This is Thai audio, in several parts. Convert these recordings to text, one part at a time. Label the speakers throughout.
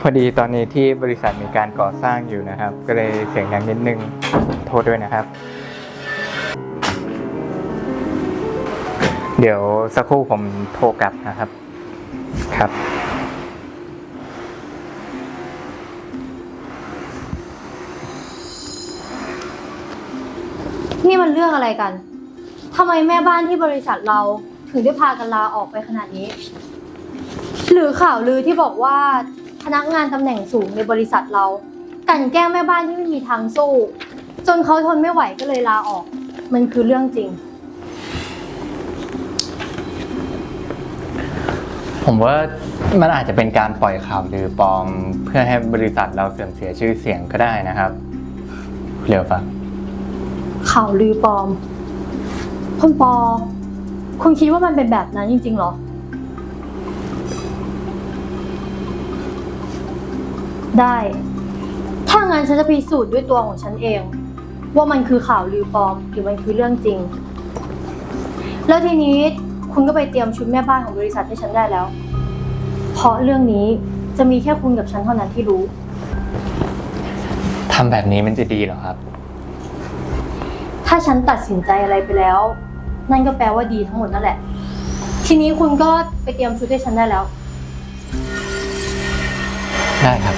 Speaker 1: พอดีตอนนี้ที่บริษัทมีการก่อสร้างอยู่นะครับ ก็เลยเสียงดังนิดนึงโทษด้วยนะครับ เดี๋ยวสักครู่ผมโทรกลับนะครับครับ
Speaker 2: นี่มันเรื่องอะไรกัน ทำไมแม่บ้านที่บริษัทเราถึงได้พากันลาออกไปขนาดนี้ หรือข่าวลือที่บอกว่าพนักงานตำแหน่งสูงในบริษัทเรากลั่นแกล้งแม่บ้านที่ไม่มีทางสู้จนเขาทนไม่ไหวก็เลยลาออก มันคือเรื่องจริง
Speaker 1: ผมว่ามันอาจจะเป็นการปล่อยข่าวลือปลอมเพื่อให้บริษัทเราเสื่อมเสียชื่อเสียงก็ได้นะครับเร็วฟัง
Speaker 2: ข่าวลือปลอม คุณปอ คุณคิดว่ามันเป็นแบบนั้นจริงๆหรอ ได้ ถ้างั้นฉันจะพิสูจน์ด้วยตัวของฉันเอง ว่ามันคือข่าวลือปลอมหรือมันคือเรื่องจริง แล้วทีนี้คุณก็ไปเตรียมชุดแม่บ้านของบริษัทให้ฉันได้แล้ว เพราะเรื่องนี้จะมีแค่คุณกับฉันเท่านั้นที่รู้
Speaker 1: ทำแบบนี้มันจะดีเหรอครับ
Speaker 2: ถ้าฉันตัดสินใจอะไรไปแล้ว นั่นก็แปลว่าดีทั้งหมดนั่นแหละ ทีนี้คุณก็ไปเตรียมชุดให้ฉันได้แล้ว
Speaker 1: ได้ครับ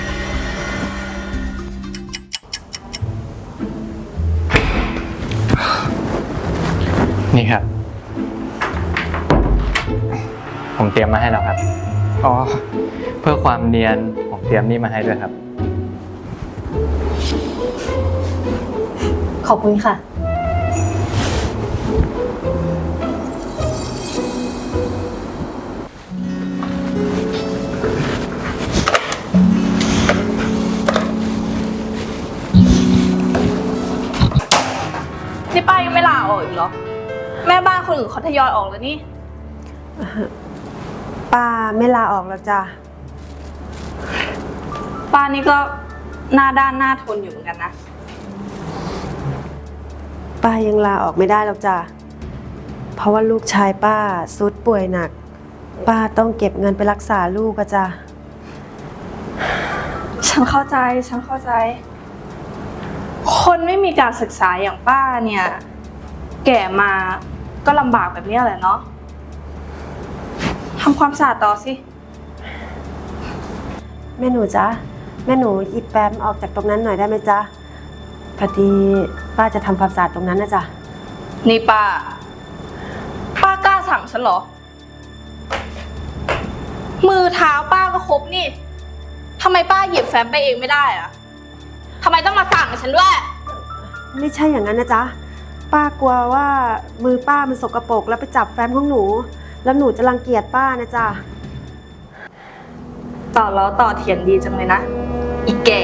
Speaker 1: นี่ครับ ผมเตรียมมาให้แล้วครับ อ๋อ เพื่อความเนียนผมเตรียมนี่มาให้ด้วยครับ
Speaker 2: ขอบคุณค่ะ
Speaker 3: นี่ป้ายังไม่ลาออกอีกเหรอ แม่บ้านคนอื่นเขาทยอยออกแล้วนี่
Speaker 4: ป้าไม่ลาออกแล้วจ้ะ
Speaker 3: ป้านี่ก็หน้าด้านหน้าทนอยู่เหมือนกันนะ
Speaker 4: ป้ายังลาออกไม่ได้แล้วจ้ะ เพราะว่าลูกชายป้าซุดป่วยหนัก ป้าต้องเก็บเงินไปรักษาลูกอะจ้ะ
Speaker 3: ฉันเข้าใจ คนไม่มีการศึกษาอย่างป้าเนี่ย แก่มาก็ลำบากแบบนี้แหละเนาะทำความสะอาดต่อสิ
Speaker 4: แม่หนูจ๊ะ แม่หนูหยิบแฟ้มออกจากตรงนั้นหน่อยได้ไหมจ๊ะ พอดีป้าจะทำความสะอาดตรงนั้นนะจ๊ะ
Speaker 3: นี่ป้ากล้าสั่งฉันเหรอ มือเท้าป้าก็ครบนี่ทำไมป้าหยิบแฟ้มไปเองไม่ได้อะทำไมต้องมาสั่งฉันด้วย
Speaker 4: ไม่ใช่อย่างนั้นนะจ๊ะ ป้ากลัวว่ามือป้ามันสกปรกแล้วไปจับแฟ้มของหนู แล้วหนูจะรังเกียจป้านะจ๊ะ
Speaker 3: ต่อล้อต่อเถียงดีจังเลยนะ อีแก่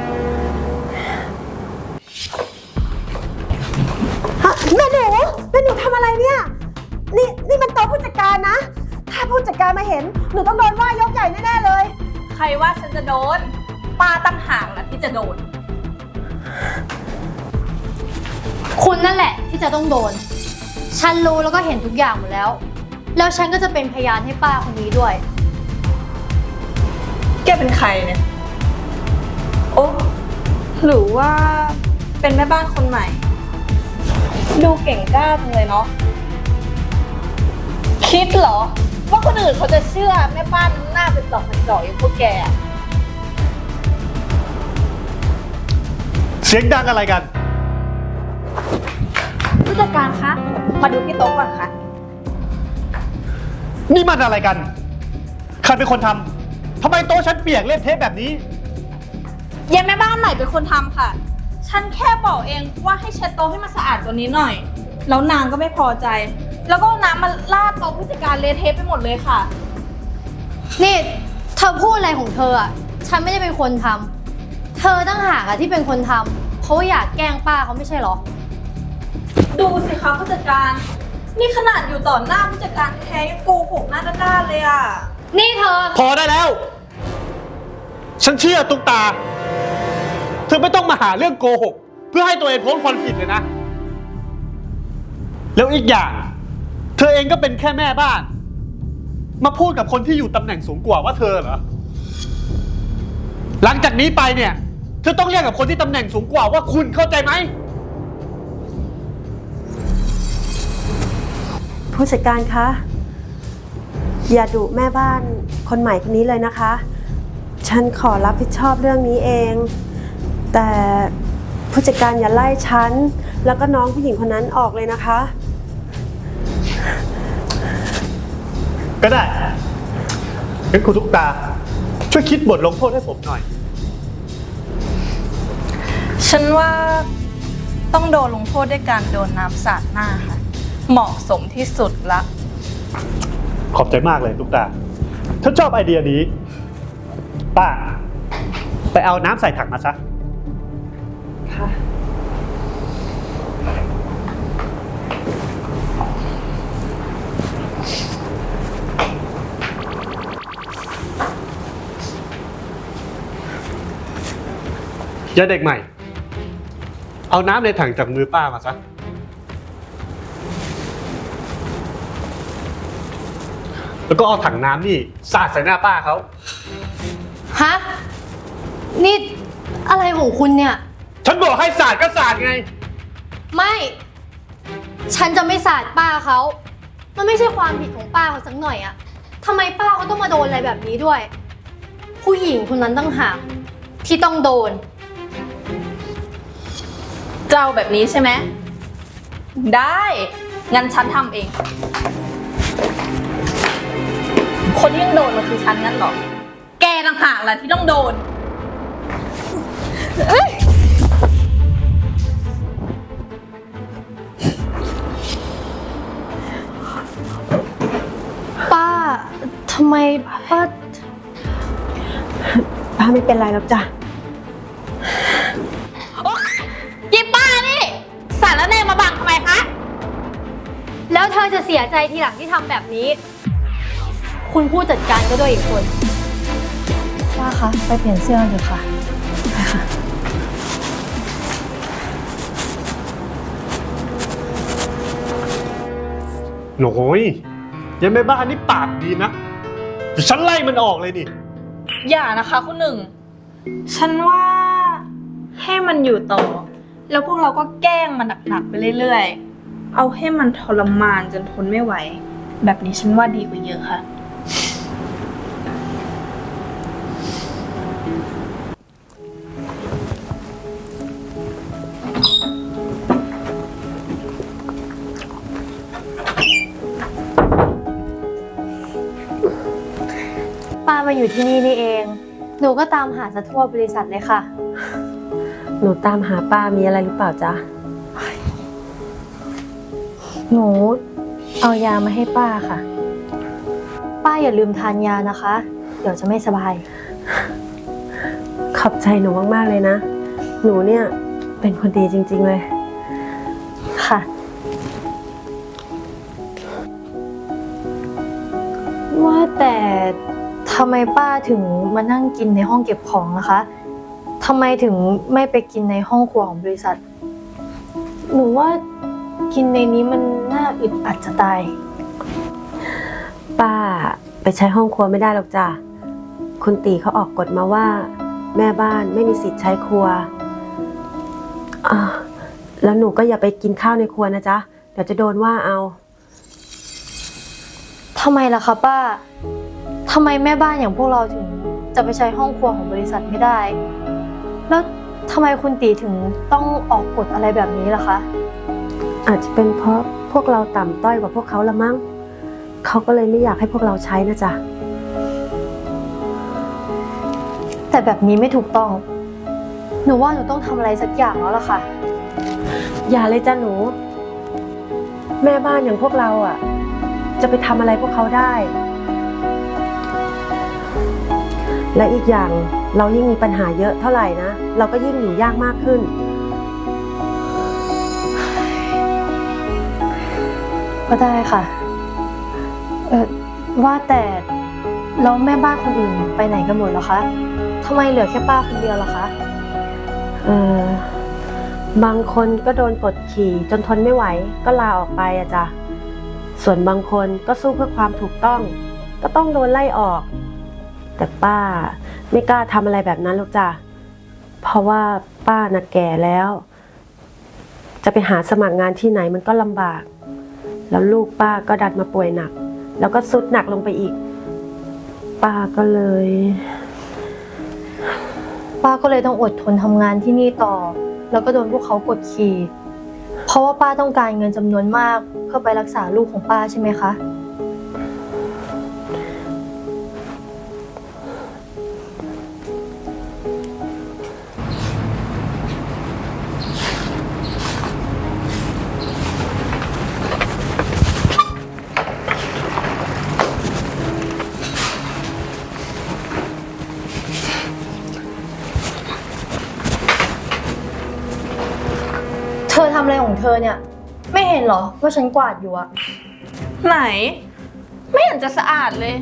Speaker 4: แม่หนูทำอะไรเนี่ย นี่มันโต๊ะผู้จัดการนะ ถ้าผู้จัดการมาเห็น หนูต้องโดนว่ายกใหญ่แน่ๆเลย
Speaker 3: ใครว่าฉันจะโดน ป้าตั้งห่างนะที่จะโดน
Speaker 2: คุณนั่นแหละที่จะต้องโดน ฉันรู้แล้วก็เห็นทุกอย่างหมดแล้ว แล้วฉันก็จะเป็นพยานให้ป้าคนนี้ด้วย
Speaker 3: แกเป็นใครเนี่ย โอ้หรือว่าเป็นแม่บ้านคนใหม่ ดูเก่งกล้าจังเลยเนาะ คิดเหรอ ว่าคนอื่นเขาจะเชื่อแม่บ้านหน้าเป็นจอกเป็นจอกอย่างพวกแกอะ
Speaker 5: เสียงดังอะไรกัน
Speaker 3: ผู้จัดการคะ มาดูที่โต๊ะก่อนค่ะ
Speaker 5: นี่มันอะไรกัน ใครเป็นคนทำ ทำไมโต๊ะฉันเปียกเละเทะแบบนี้
Speaker 3: ยายแม่บ้านใหม่เป็นคนทำค่ะ ฉันแค่บอกเองว่าให้เช็ดโต๊ะให้มันสะอาดกว่านี้หน่อย แล้วนางก็ไม่พอใจ แล้วก็เอาน้ำมาลาดโต๊ะผู้จัดการเละเทะไปหมดเลยค่ะ
Speaker 2: นี่เธอพูดอะไรของเธออ่ะ ฉันไม่ได้เป็นคนทำ เธอตั้งหากอะที่เป็นคนทำ เพราะว่าอยากแกล้งป้าเขาไม่ใช่เหรอ
Speaker 3: ดูสิคะผู้จัดการ นี่ขนาดอยู่ต่อหน้าผู้จัดการแท้ๆยังโกหกหน้าด้านๆเลยอ่ะ
Speaker 2: นี่เธอ
Speaker 5: พอได้แล้ว ฉันเชื่อตุ๊กตา เธอไม่ต้องมาหาเรื่องโกหก เพื่อให้ตัวเองพ้นความผิดเลยนะ แล้วอีกอย่าง เธอเองก็เป็นแค่แม่บ้าน มาพูดกับคนที่อยู่ตำแหน่งสูงกว่าว่าเธอเหรอหลังจากนี้ไปเนี่ยเธอต้องเรียกกับคนที่ตำแหน่งสูงกว่าว่าคุณเข้าใจไหม
Speaker 4: ผู้จัดการคะ อย่าดุแม่บ้านคนใหม่คนนี้เลยนะคะ ฉันขอรับผิดชอบเรื่องนี้เอง แต่ผู้จัดการอย่าไล่ฉันแล้วก็น้องผู้หญิงคนนั้นออกเลยนะคะ
Speaker 5: ก็ได้งั้นคุณตุ๊กตา ช่วยคิดบทลงโทษให้ผมหน่อย
Speaker 3: ฉันว่าต้องโดนลงโทษด้วยการโดนน้ำสาดหน้าค่ะ เหมาะสมที่สุดละ
Speaker 5: ขอบใจมากเลยตุ๊กตาฉันชอบไอเดียนี้ ป้า ไปเอาน้ำใส่ถังมาซะ
Speaker 4: ค่ะ
Speaker 5: อย่าเด็กใหม่ เอาน้ำในถังจากมือป้ามาซะ แล้วก็เอาถังน้ำนี่สาดใส่หน้าป้าเขา
Speaker 2: ฮะ นี่อะไรของคุณเนี่ย
Speaker 5: ฉันบอกให้สาดก็สาดไง
Speaker 2: ไม่ ฉันจะไม่สาดป้าเขา มันไม่ใช่ความผิดของป้าเขาสักหน่อยอะทำไมป้าเขาต้องมาโดนอะไรแบบนี้ด้วย ผู้หญิงคนนั้นตั้งหากที่ต้องโดน
Speaker 3: เจ้าแบบนี้ใช่ไหม ได้ งั้นฉันทำเอง คนที่ต้องโดนมันคือฉันงั้นเหรอ แกต่างหากแหละที่ต้องโดน
Speaker 2: ป้า ทำไมป้า
Speaker 4: ป้าไม่เป็นไรหรอกจ้ะ
Speaker 3: ยิบป้านี่ สารแนมาบังทำไมคะ
Speaker 2: แล้วเธอจะเสียใจทีหลังที่ทำแบบนี้ คุณผู้จัดการก็ด้วยอีกคนป้าคะ ไปเปลี่ยนเสื้อเถอะค่ะไปค่ะ
Speaker 5: โอ้ยยังแม่บ้านนี่ปากดีนะเดี๋ยวฉันไล่มันออกเลยนี่
Speaker 3: อย่านะคะคุณหนึ่ง ฉันว่าให้มันอยู่ต่อ แล้วพวกเราก็แกล้งมันหนักๆไปเรื่อยๆ เอาให้มันทรมานจนทนไม่ไหว แบบนี้ฉันว่าดีกว่าเยอะค่ะ
Speaker 2: ป้ามาอยู่ที่นี่นี่เอง หนูก็ตามหาซะทั่วบริษัทเลยค่ะ
Speaker 4: หนูตามหาป้ามีอะไรหรือเปล่าจ๊ะ
Speaker 2: หนูเอายามาให้ป้าค่ะ ป้าอย่าลืมทานยานะคะ เดี๋ยวจะไม่สบาย
Speaker 4: ขอบใจหนูมากๆเลยนะ หนูเนี่ยเป็นคนดีจริงๆเลย
Speaker 2: ค่ะ ว่าแต่ทำไมป้าถึงมานั่งกินในห้องเก็บของล่ะคะทำไมถึงไม่ไปกินในห้องครัวของบริษัท หนูว่ากินในนี้มันน่าอึดอัดจะตาย
Speaker 4: ป้าไปใช้ห้องครัวไม่ได้หรอกจ้ะ คุณตีเขาออกกฎมาว่า แม่บ้านไม่มีสิทธิ์ใช้ครัวแล้วหนูก็อย่าไปกินข้าวในครัวนะจ๊ะ เดี๋ยวจะโดนว่าเอา
Speaker 2: ทำไมล่ะคะป้า ทำไมแม่บ้านอย่างพวกเราถึงจะไปใช้ห้องครัวของบริษัทไม่ได้ แล้วทำไมคุณตีถึงต้องออกกฎอะไรแบบนี้ล่ะคะ
Speaker 4: อาจจะเป็นเพราะพวกเราต่ำต้อยกว่าพวกเขาละมั้ง เขาก็เลยไม่อยากให้พวกเราใช้นะจ๊ะ
Speaker 2: แต่แบบนี้ไม่ถูกต้อง หนูว่าหนูต้องทำอะไรสักอย่างแล้วล่ะค่ะ
Speaker 4: อย่าเลยจ้ะหนู แม่บ้านอย่างพวกเราอ่ะ จะไปทำอะไรพวกเขาได้ และอีกอย่างเรายิ่งมีปัญหาเยอะเท่าไหร่นะ เราก็ยิ่งอยู่ยากมากขึ้น
Speaker 2: ก็ได้ค่ะ ว่าแต่แล้วแม่บ้านคนอื่นไปไหนกันหมดแล้วคะทำไมเหลือแค่ป้าคนเดียวล่ะคะ
Speaker 4: บางคนก็โดนกดขี่จนทนไม่ไหวก็ลาออกไปอะจ้ะ ส่วนบางคนก็สู้เพื่อความถูกต้อง ก็ต้องโดนไล่ออกแต่ป้าไม่กล้าทำอะไรแบบนั้นหรอกจ้ะเพราะว่าป้าน่ะแก่แล้ว จะไปหาสมัครงานที่ไหนมันก็ลำบาก แล้วลูกป้าก็ดันมาป่วยหนัก แล้วก็ทรุดหนักลงไปอีก ป้าก็เลย
Speaker 2: ป้าก็เลยต้องอดทนทำงานที่นี่ต่อ แล้วก็โดนพวกเขากดขี่ เพราะว่าป้าต้องการเงินจำนวนมากเพื่อไปรักษาลูกของป้าใช่ไหมคะ เธอทำอะไรของเธอเนี่ย ไม่เห็นเหรอว่าฉันกวาดอยู่อะ
Speaker 3: ไหน ไม่เห็นจะสะอาดเลย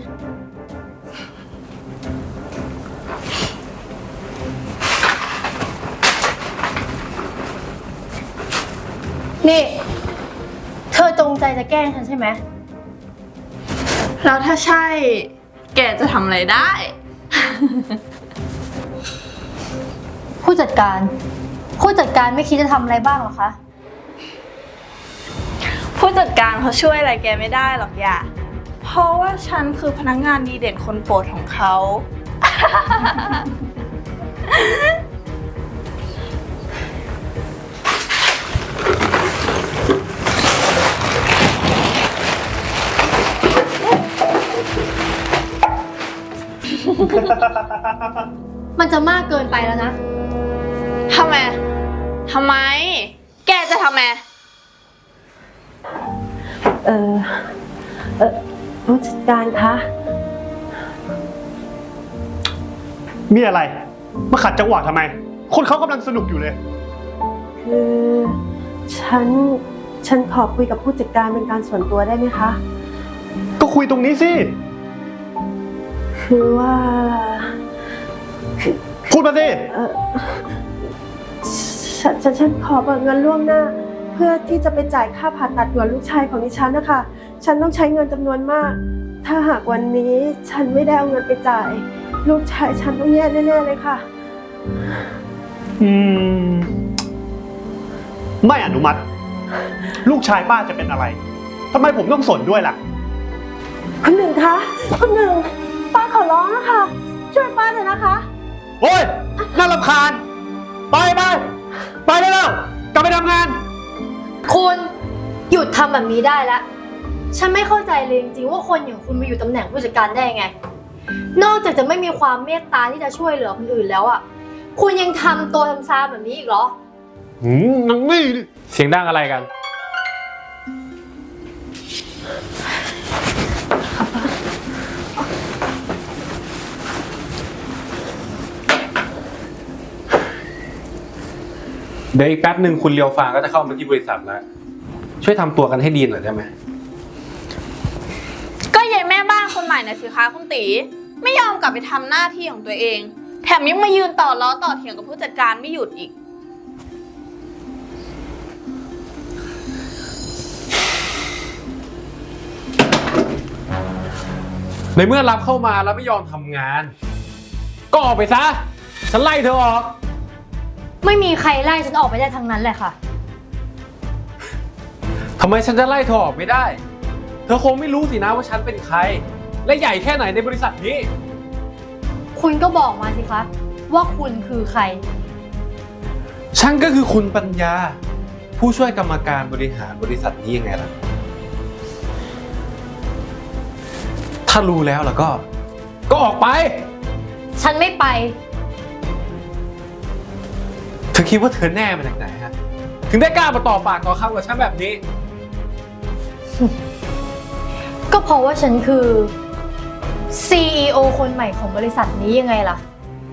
Speaker 2: นี่ เธอจงใจจะแกล้งฉันใช่ไหม
Speaker 3: แล้วถ้าใช่ แกจะทำอะไรได้
Speaker 2: ผู้จัดการไม่คิดจะทำอะไรบ้างเหรอคะ
Speaker 3: ผู้จัดการเขาช่วยอะไรแกไม่ได้หรอกอย่า เพราะว่าฉันคือพนักงานดีเด่นคนโปรดของเขา
Speaker 2: มันจะมากเกินไปแล้วนะ
Speaker 3: ทำไม แกจะทำไม
Speaker 4: ผู้จัดการคะ
Speaker 5: มีอะไร มาขัดจังหวะทำไม คนเขากำลังสนุกอยู่เลย
Speaker 4: คือฉันขอคุยกับผู้จัดการเป็นการส่วนตัวได้ไหมคะ
Speaker 5: ก็คุยตรงนี้สิ
Speaker 4: คือว่า
Speaker 5: พูดมาสิ
Speaker 4: ฉันขอเบิกเงินล่วงหน้า เพื่อที่จะไปจ่ายค่าผ่าตัดด่วนลูกชายของดิฉันนะคะ ฉันต้องใช้เงินจำนวนมาก ถ้าหากวันนี้ฉันไม่ได้เอาเงินไปจ่าย ลูกชายฉันต้องแย่แน่ๆเลยค่ะ
Speaker 5: ไม่อนุมัติ ลูกชายป้าจะเป็นอะไรทำไมผมต้องสนด้วยล่ะ
Speaker 4: คุณหนึ่งคะคุณหนึ่งป้าขอร้องนะคะ ช่วยป้าหน่อยนะคะ
Speaker 5: โอ้ยน่ารำคาญ ไปได้แล้ว กลับไปทำงาน
Speaker 2: คุณหยุดทำแบบนี้ได้แล้ว ฉันไม่เข้าใจเลยจริงๆว่าคนอย่างคุณมาอยู่ตำแหน่งผู้จัดการได้ยังไง นอกจากจะไม่มีความเมตตาที่จะช่วยเหลือคนอื่นแล้วอ่ะ คุณยังทำตัวทำซาแบบนี้อีกเหรอ
Speaker 5: นังนี่
Speaker 6: เสียงดังอะไรกัน เดี๋ยวอีกแป๊บหนึ่งคุณเลียวฟางก็จะเข้ามาที่บริษัทแล้ว ช่วยทำตัวกันให้ดีหน่อยได้ไหม
Speaker 3: ก็ยายแม่บ้านคนใหม่น่ะสิคะคุณตีไม่ยอมกลับไปทำหน้าที่ของตัวเอง แถมยังมายืนต่อล้อต่อเถียงกับผู้จัดการไม่หยุดอีก
Speaker 6: ในเมื่อรับเข้ามาแล้วไม่ยอมทำงาน ก็ออกไปซะ ฉันไล่เธอออก
Speaker 2: ไม่มีใครไล่ฉันออกไปได้ทั้งนั้นแหละค่ะ
Speaker 6: ทำไมฉันจะไล่เธอออกไม่ได้ เธอคงไม่รู้สินะว่าฉันเป็นใคร และใหญ่แค่ไหนในบริษัทนี้
Speaker 2: คุณก็บอกมาสิคะว่าคุณคือใคร
Speaker 6: ฉันก็คือคุณปัญญา ผู้ช่วยกรรมการบริหารบริษัทนี้ยังไงล่ะ ถ้ารู้แล้วก็ออกไป
Speaker 2: ฉันไม่ไป
Speaker 6: เธอคิดว่าเธอแน่มาจากไหนฮะ ถึงได้กล้ามาต่อปากต่อคำกับฉันแบบนี้
Speaker 2: ก็เพราะว่าฉันคือ CEO คนใหม่ของบริษัทนี้ยังไงล่ะ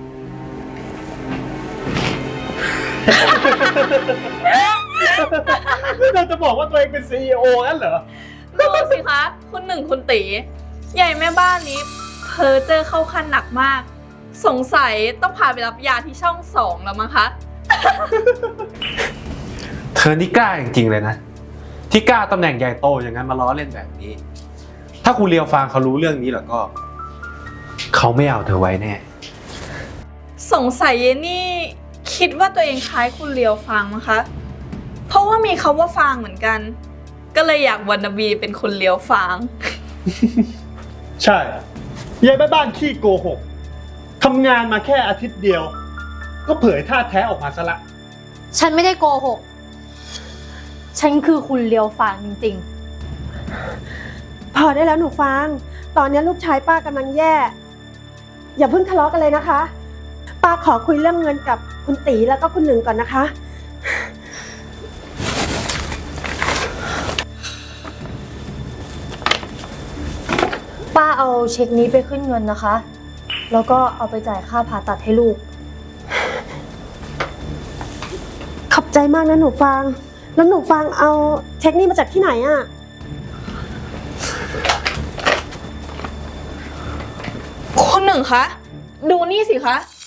Speaker 5: เธอจะบอกว่าตัวเองเป็น CEO นั่นเหรอ
Speaker 3: ดูสิคะ คุณหนึ่งคุณตีใหญ่แม่บ้านนี้เพ้อเจอเข้าขั้นหนักมาก สงสัยต้องพาไปรับยาที่ช่อง 2แล้วมั้งคะ
Speaker 6: เธอนี่กล้าจริงๆเลยนะ ที่กล้าตำแหน่งใหญ่โตอย่างนั้นมาล้อเล่นแบบนี้ ถ้าคุณเลียวฟางเขารู้เรื่องนี้แล้วก็ เขเขาไม่เอาเธอไว้แน่
Speaker 3: สงสัยเยนี่คิดว่าตัวเองคล้ายคุณเลียวฟางมั้งคะ เพราะว่ามีคำว่าฟางเหมือนกัน ก็เลยอยากวันนาบีเป็นคุณเลียวฟาง
Speaker 5: ใช่ยายแม่บ้านขี้โกหกทำงานมาแค่อาทิตย์เดียว ก็เผยท่าแท้ออกมาซะละ
Speaker 2: ฉันไม่ได้โกหก ฉันคือคุณเลียวฟางจริง
Speaker 4: พอได้แล้วหนูฟาง ตอนนี้ลูกชายป้ากำลังแย่ อย่าเพิ่งทะเลาะกันเลยนะคะ ป้าขอคุยเรื่องเงินกับคุณตีแล้วก็คุณหนึ่งก่อนนะคะ
Speaker 2: ๆ ป้าเอาเช็คนี้ไปขึ้นเงินนะคะ แล้วก็เอาไปจ่ายค่าผ่าตัดให้ลูก
Speaker 4: ขอบใจมากนะหนูฟาง แล้วหนูฟางเอาเช็คนี้มาจากที่ไหนอะ
Speaker 3: คุณหนึ่งคะ ดูนี่สิคะ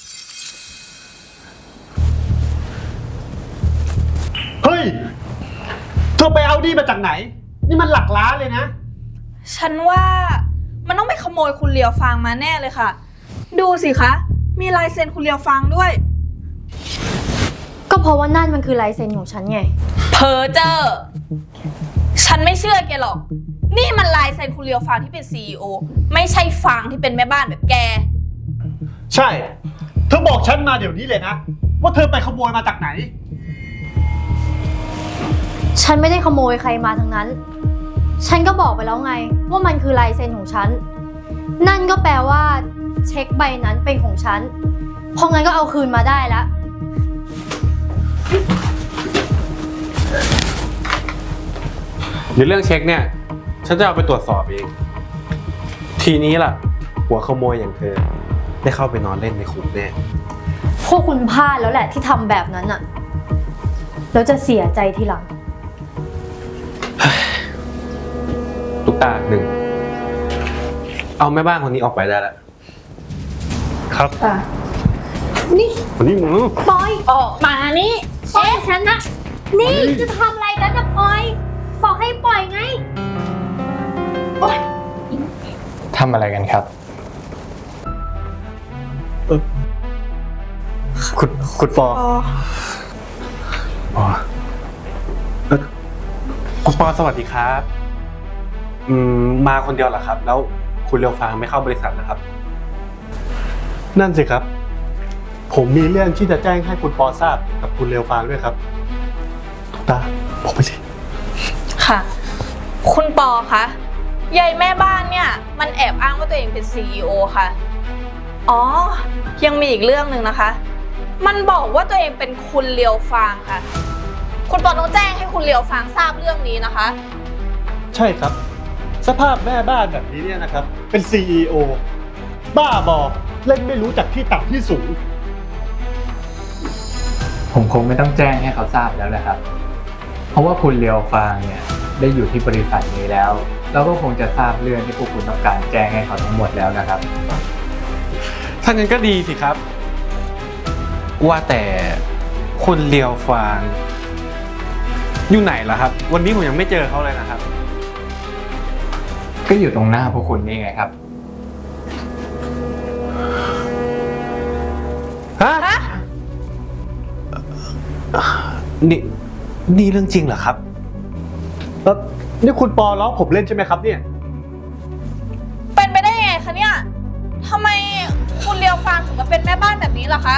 Speaker 5: เฮ้ย เธอไปเอาดีมาจากไหน นี่มันหลักล้านเลยนะ
Speaker 3: ฉันว่ามันต้องไปขโมยคุณเลียวฟางมาแน่เลยค่ะ ดูสิคะ มีลายเซ็นคุณเลียวฟางด้วย
Speaker 2: ก็เพราะว่านั่นมันคือลายเซ็นของฉันไง
Speaker 3: เพอเจอร์ฉันไม่เชื่อแกหรอก นี่มันลายเซ็นคุณเลียวฟางที่เป็น CEO ไม่ใช่ฟางที่เป็นแม่บ้านแบบแก
Speaker 5: ใช่ เธอบอกฉันมาเดี๋ยวนี้เลยนะ ว่าเธอไปขโมยมาจากไหน
Speaker 2: ฉันไม่ได้ขโมยใครมาทั้งนั้น ฉันก็บอกไปแล้วไงว่ามันคือลายเซ็นของฉัน นั่นก็แปลว่าเช็คใบนั้นเป็นของฉัน เพราะงั้นก็เอาคืนมาได้แล้ว
Speaker 6: เดี๋ยวเรื่องเช็คเนี่ย ฉันจะเอาไปตรวจสอบเอง ทีนี้ล่ะ หัวขโมยอย่างเธอ ได้เข้าไปนอนเล่นในคุกแน่
Speaker 2: พวกคุณพลาดแล้วแหละที่ทำแบบนั้นอะแล้วจะเสียใจทีหลัง
Speaker 6: ลูกตาหนึ่ง เอาแม่บ้านคนนี้ออกไปได้แล้ว
Speaker 5: ครับ
Speaker 2: นี่
Speaker 5: วันนี้มึง
Speaker 2: ปอยออกมานี่ปอยฉันนะนี่จะทำอะไรกันนะปอยบอกให้ปล่อยไง
Speaker 1: ทำอะไรกันครับ
Speaker 5: คุณปอ
Speaker 6: อ๋อคุณปอสวัสดีครับ มาคนเดียวเหรอครับ แล้วคุณเรียวฟางไม่เข้าบริษัทนะครับ
Speaker 5: นั่นสิครับ ผมมีเรื่องที่จะแจ้งให้คุณปอทราบกับคุณเรวฟางด้วยครับทุกตาบอกไปสิ
Speaker 3: ค่ะ คุณปอคะยายแม่บ้านเนี่ย มันแอบอ้างว่าตัวเองเป็น CEO ค่ะ อ๋อ ยังมีอีกเรื่องหนึ่งนะคะ มันบอกว่าตัวเองเป็นคุณเลียวฟางค่ะ คุณปอต้องแจ้งให้คุณเลียวฟางทราบเรื่องนี้นะคะ
Speaker 5: ใช่ครับ สภาพแม่บ้านแบบนี้เนี่ยนะครับ เป็น CEO บ้าบอเล่นไม่รู้จักที่ต่ำที่สูง
Speaker 1: ผมคงไม่ต้องแจ้งให้เขาทราบแล้วแหละครับ เพราะว่าคุณเลียวฟางเนี่ยได้อยู่ที่บริษัทนี้แล้ว แล้วก็คงจะทราบเรื่องที่พวกคุณต้องการแจ้งให้เขาทั้งหมดแล้วนะครับ
Speaker 6: ถ้างั้นก็ดีสิครับ ว่าแต่คุณเลียวฟางอยู่ไหนล่ะครับ วันนี้ผมยังไม่เจอเขาเลยนะครับ
Speaker 1: ก็อยู่ตรงหน้าพวกคุณนี่ไงครับ
Speaker 6: ฮะ นี่เรื่องจริงเหรอครับ
Speaker 5: แล้วนี่คุณปอล้อผมเล่นใช่ไหมครับเนี่ย
Speaker 3: เป็นไปได้ยังไงคะเนี่ยทำไมคุณเลียวฟางถึงมาเป็นแม่บ้านแบบนี้ล่ะคะ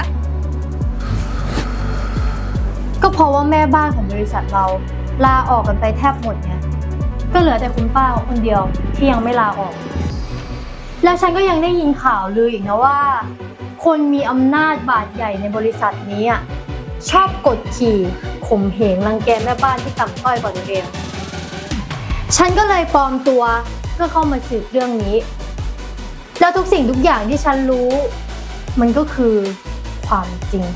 Speaker 2: ก็เพราะว่าแม่บ้านของบริษัทเราลาออกกันไปแทบหมดไงก็เหลือแต่คุณป้าคนเดียวที่ยังไม่ลาออก แล้วฉันก็ยังได้ยินข่าวลืออีกนะว่า คนมีอำนาจบาดใหญ่ในบริษัทนี้อ่ะชอบกดขี่ข่มเหงรังแกแม่บ้านที่ต่ำต้อยกว่าตัวเอง ฉันก็เลยปลอมตัวเพื่อเข้ามาสืบเรื่องนี้ แล้วทุกสิ่งทุกอย่างที่ฉันรู้ มันก็คือความจริง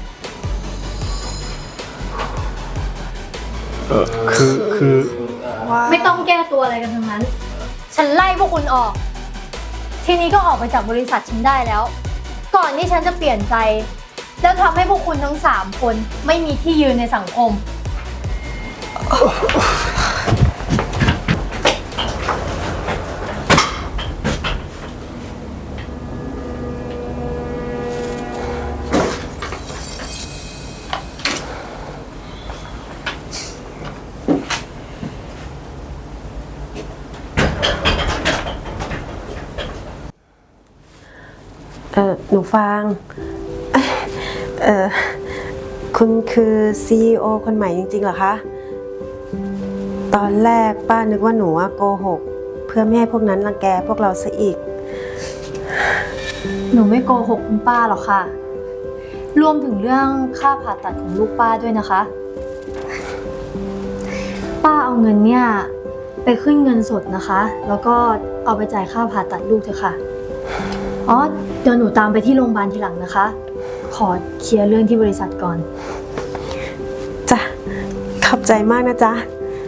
Speaker 5: คือ
Speaker 2: ไม่ต้องแก้ตัวอะไรกันทั้งนั้น ฉันไล่พวกคุณออก ทีนี้ก็ออกไปจากบริษัทฉันได้แล้ว ก่อนที่ฉันจะเปลี่ยนใจ แล้วทำให้พวกคุณทั้ง3 คนไม่มีที่ยืนในสังคม
Speaker 5: ค
Speaker 4: หนูฟางเอ่อคุณคือ CEO คนใหม่จริงๆเหรอคะ ตอนแรกป้านึกว่าหนูโกหกเพื่อไม่ให้พวกนั้นรังแกพวกเราซะอีก
Speaker 2: หนูไม่โกหกคุณป้าหรอกค่ะ รวมถึงเรื่องค่าผ่าตัดของลูกป้าด้วยนะคะ ป้าเอาเงินเนี่ยไปขึ้นเงินสดนะคะ แล้วก็เอาไปจ่ายค่าผ่าตัดลูกเถอะค่ะ อ๋อ เดี๋ยวหนูตามไปที่โรงพยาบาลทีหลังนะคะ ขอเคลียร์เรื่องที่บริษัทก่อน
Speaker 4: จ้ะ ขอบใจมากนะจ๊ะ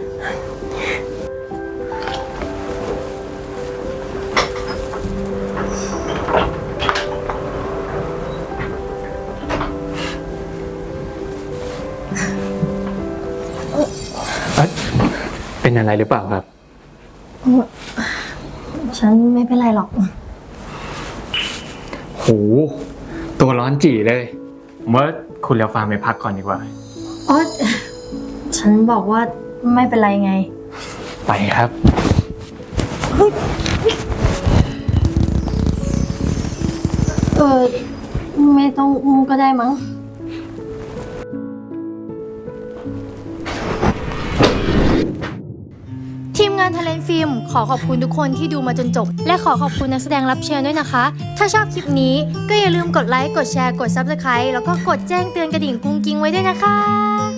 Speaker 1: เป็นอะไรหรือเปล่าครับ
Speaker 2: ฉันไม่เป็นไรหรอก
Speaker 1: โห ตัวร้อนจี่เลยผมว่าคุณเลียวฟางไปพักก่อนดีกว่า
Speaker 2: อ๋อ ฉันบอกว่าไม่เป็นไรไง
Speaker 1: ไปครับ
Speaker 2: ไม่ต้องอุ้มก็ได้มั้ง ทีมงานทะเลนฟิล์มขอขอบคุณทุกคนที่ดูมาจนจบ และขอขอบคุณนักแสดงรับเชิญด้วยนะคะ ถ้าชอบคลิปนี้ก็อย่าลืมกดไลค์ กดแชร์ กด Subscribe แล้วก็กดแจ้งเตือนกระดิ่งกุ้งกิ้งไว้ด้วยนะคะ